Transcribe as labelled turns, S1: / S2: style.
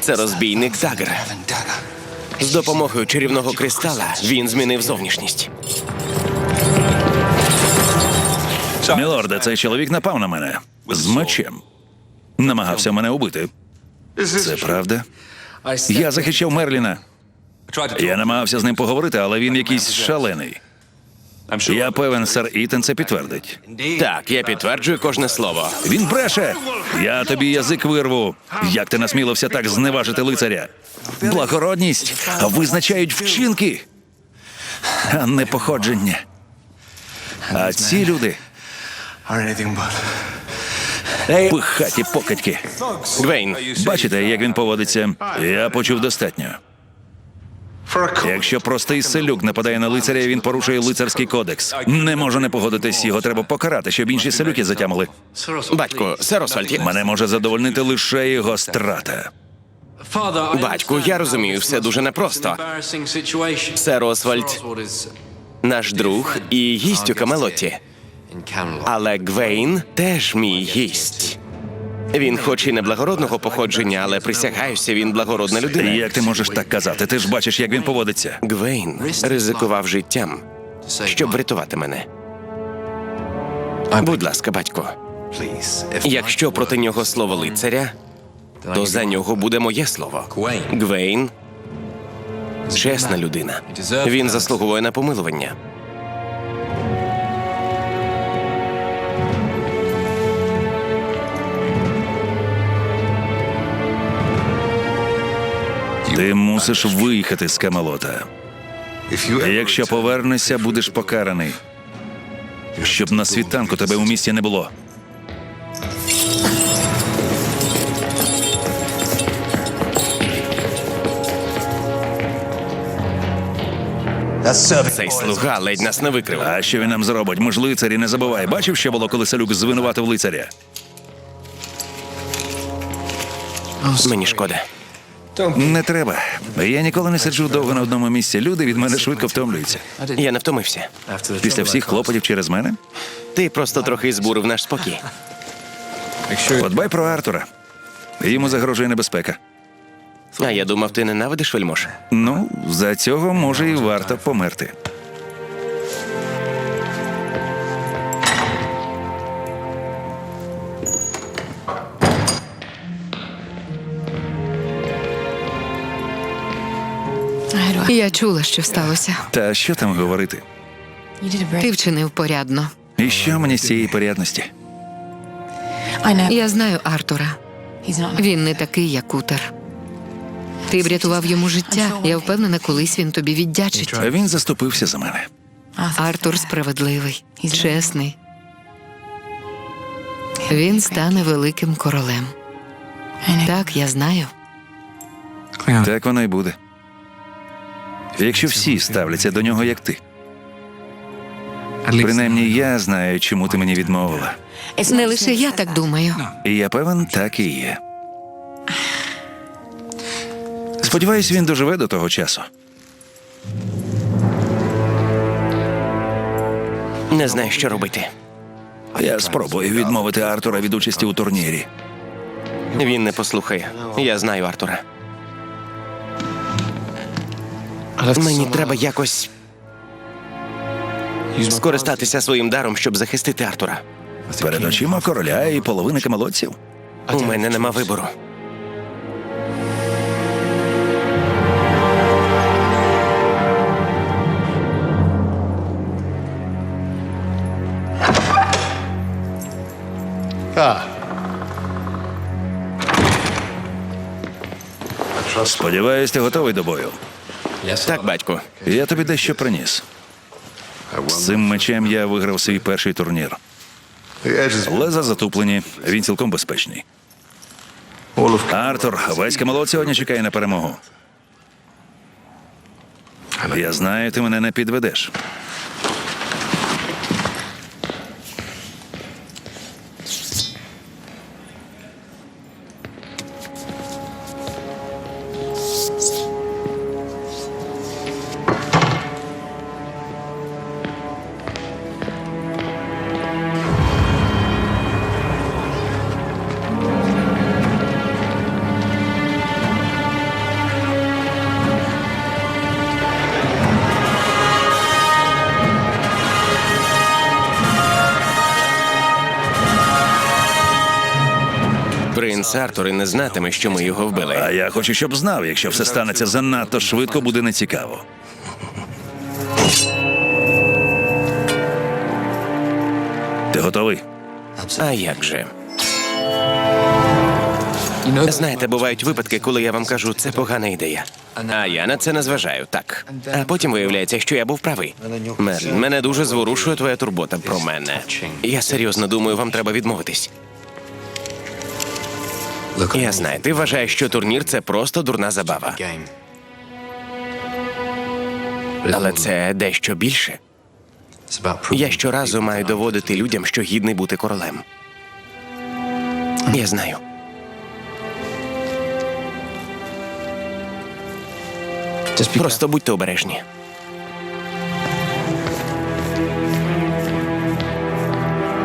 S1: Це розбійник Дагер. З допомогою чарівного кристала він змінив зовнішність.
S2: Мілорде, цей чоловік напав на мене. З мечем. Намагався мене убити. Це правда? Я захищав Мерліна. Я намагався з ним поговорити, але він якийсь шалений. Я певен, сер Ітан це підтвердить.
S1: Так, я підтверджую кожне слово.
S2: Він бреше! Я тобі язик вирву. Як ти насмілився так зневажити лицаря? Благородність визначають вчинки, а не походження. А ці люди пихаті покидьки.
S1: Гвейн,
S2: Бачите, як він поводиться? Я почув достатньо. Якщо простий селюк нападає на лицаря, він порушує лицарський кодекс. Не можу не погодитись, його треба покарати, щоб інші селюки затямили.
S1: батько, сер Освальд,
S2: Мене може задовольнити лише його страта.
S1: батьку, я розумію, все дуже непросто. Сер Освальд наш друг і гість у Камелоті. Але Гвейн теж мій гість. Він хоч і не благородного походження, але присягаюся, він благородна людина.
S2: Як ти можеш так казати? Ти ж бачиш, як він поводиться.
S1: Гвейн ризикував життям, щоб врятувати мене. Будь ласка, батько, якщо проти нього слово лицаря, то за нього буде моє слово. Гвейн – чесна людина. Він заслуговує на помилування.
S2: Ти мусиш виїхати з Камелота. Якщо повернешся, будеш покараний. Щоб на світанку тебе у місті не було.
S1: Цей слуга ледь нас не викрив.
S2: А що він нам зробить? Ми ж лицарі, не забувай. Бачив, що було, коли селюк звинуватив лицаря?
S1: Мені шкода.
S2: Не треба. Я ніколи не сиджу довго на одному місці. Люди від мене швидко втомлюються.
S1: Я не втомився.
S2: Після всіх клопотів через мене?
S1: Ти просто трохи збурив наш спокій.
S2: Подбай про Артура. Йому загрожує небезпека.
S1: А я думав, ти ненавидиш вельмож.
S2: Ну, за цього може і варто померти.
S3: Я чула, що сталося.
S2: Та що там говорити?
S3: Ти вчинив порядно.
S2: І що мені з цієї порядності?
S3: Я знаю Артура. Він не такий, як Утер. Ти врятував йому життя. Я впевнена, колись він тобі віддячить.
S2: А він заступився за мене.
S3: Артур справедливий, чесний. Він стане великим королем. Так, я знаю.
S2: Так воно й буде. Якщо всі ставляться до нього, як ти. Принаймні, я знаю, чому ти мені відмовила.
S3: Не лише я так думаю.
S2: І я певен, так і є. Сподіваюсь, він доживе до того часу.
S1: Не знаю, що робити.
S2: Я спробую відмовити Артура від участі у турнірі.
S1: Він не послухає. Я знаю Артура. Мені треба якось скористатися своїм даром, щоб захистити Артура.
S2: Перед очима короля і половини камелотців.
S1: У мене нема вибору.
S2: Сподіваюсь, ти готовий до бою.
S1: Так, батько.
S2: Я тобі дещо приніс. З цим мечем я виграв свій перший турнір. Леза затуплені, він цілком безпечний. Артур, весь Камелот сьогодні чекає на перемогу. Я знаю, ти мене не підведеш.
S1: нас Артур і не знатиме, що ми його
S2: А
S1: вбили.
S2: я хочу, щоб знав, якщо все станеться занадто швидко, буде нецікаво. Ти готовий?
S1: А як же? Знаєте, бувають випадки, коли я вам кажу, це погана ідея. А я на це не зважаю, так. А потім виявляється, що я був правий. Мерлін, мене дуже зворушує твоя турбота про мене. Я серйозно думаю, вам треба відмовитись. Я знаю, ти вважаєш, що турнір це просто дурна забава. Але це дещо більше. Я щоразу маю доводити людям, що гідний бути королем. Я знаю. Просто будьте обережні.